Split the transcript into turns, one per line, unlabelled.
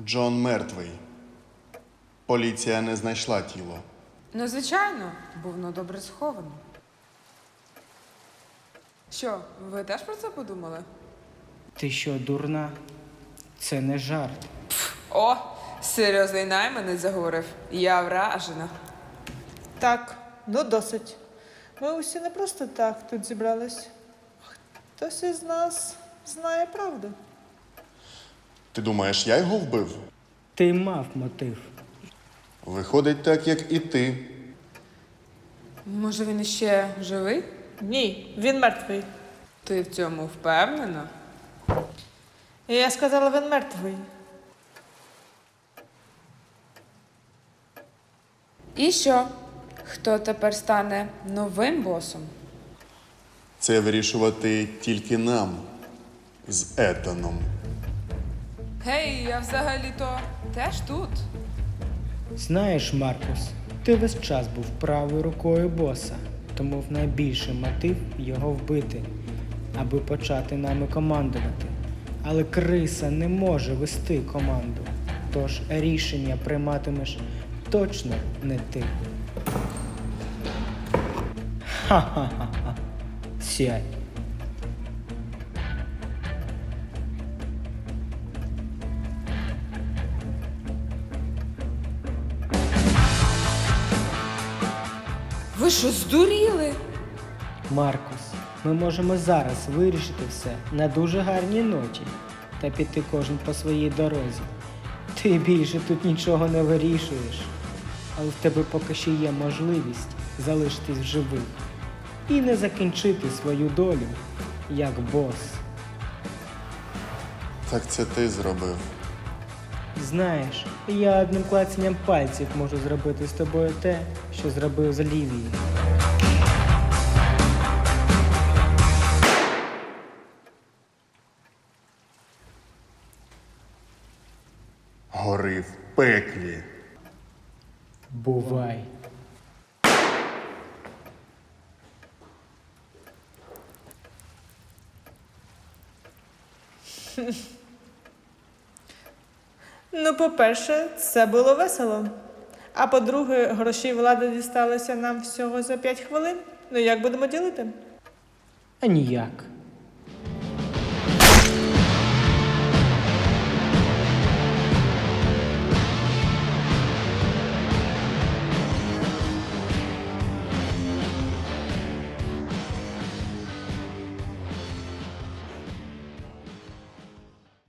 Джон мертвий. Поліція не знайшла тіло.
Ну, звичайно, бо воно добре сховано. Що, ви теж про це подумали?
Ти що, дурна? Це не жарт.
О, серйозний найманець заговорив. Я вражена.
Так, ну досить. Ми усі не просто так тут зібрались. Хтось із нас знає правду.
Ти думаєш, я його вбив?
Ти мав мотив.
Виходить так, як і ти.
Може, він іще живий?
Ні, він мертвий.
Ти в цьому впевнена?
І я сказала, він мертвий.
І що? Хто тепер стане новим босом?
Це вирішувати тільки нам з Етаном.
Гей, я взагалі-то теж тут.
Знаєш, Маркус, ти весь час був правою рукою боса, тому в найбільший мотив його вбити, аби почати нами командувати. Але криса не може вести команду, тож рішення прийматимеш точно не ти. Ха-ха-ха-ха. Сядь.
Ви що, здуріли?
Маркус, ми можемо зараз вирішити все на дуже гарній ноті та піти кожен по своїй дорозі. Ти більше тут нічого не вирішуєш, але в тебе поки ще є можливість залишитись в живих і не закінчити свою долю як бос.
Так це ти зробив.
Знаєш, я одним клацанням пальців можу зробити з тобою те, що зробив з Лівією.
Гори в пеклі.
Бувай.
Ну, по-перше, це було весело. А по-друге, гроші влади дісталися нам всього за 5 хвилин. Ну як будемо ділити?
А ніяк.